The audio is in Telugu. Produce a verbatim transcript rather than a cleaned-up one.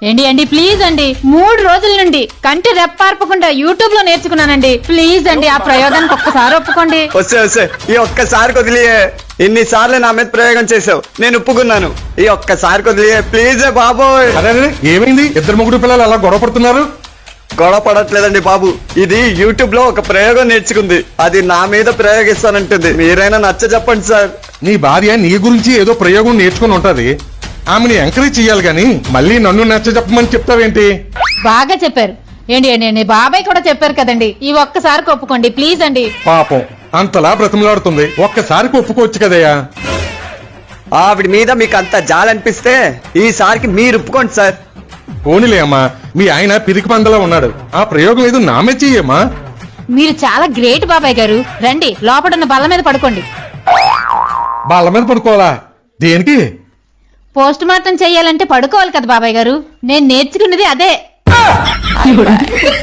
ఏంటి అండి ప్లీజ్ అండి, మూడు రోజుల నుండి కంటి రెప్పార్పకుండా యూట్యూబ్ లో నేర్చుకున్నానండి. ప్లీజ్ అండి ఆ ప్రయోగానికి ఒక్కసారి ఒప్పుకోండి. వస్తే వస్తే ఈ ఒక్కసారి వదిలియే. ఇన్నిసార్లు నా మీద ప్రయోగం చేసావు, నేను ఒప్పుకున్నాను. ఈ ఒక్కసారి వదిలియే ప్లీజ్ బాబోయ్. అదే ఏమైంది? ఇద్దరు ముగ్గురు పిల్లలు అలా గొడవ పడుతున్నారు. గొడవ పడట్లేదండి బాబు, ఇది యూట్యూబ్ లో ఒక ప్రయోగం నేర్చుకుంది, అది నా మీద ప్రయోగిస్తానంటుంది. మీరైనా నచ్చ చెప్పండి సార్. నీ భార్య నీ గురించి ఏదో ప్రయోగం నేర్చుకుని ఉంటది, ఆమెని ఎంకరేజ్ చెయ్యాలి గాని మళ్ళీ నన్ను నచ్చ చెప్పమని చెప్తావేంటి? బాగా చెప్పారు. ఏంటి ఏంటి బాబాయ్ కూడా చెప్పారు కదండి, ఈ ఒక్కసారికి ఒప్పుకోండి ప్లీజ్ అండి. పాపం అంతలా బ్రతిమలాడుతుంది, ఒక్కసారికి ఒప్పుకోవచ్చు కదయ్యా. ఆవిడ మీద మీకు అంత జాలనిపిస్తే ఈసారికి మీరు ఒప్పుకోండి సార్. పోనీలే అమ్మా, మీ ఆయన పిరికి పందలా ఉన్నాడు, ఆ ప్రయోగం ఏదో నామే చెయ్యమ్మా. మీరు చాలా గ్రేట్ బాబాయ్ గారు. రండి లోపడున్న బల్ల మీద పడుకోండి. బాళ్ళ మీద పడుకోవాలా? దేనికి? పోస్ట్ మార్టం చెయ్యాలంటే పడుకోవాలి కదా బాబాయ్ గారు, నేను నేర్చుకున్నది అదే.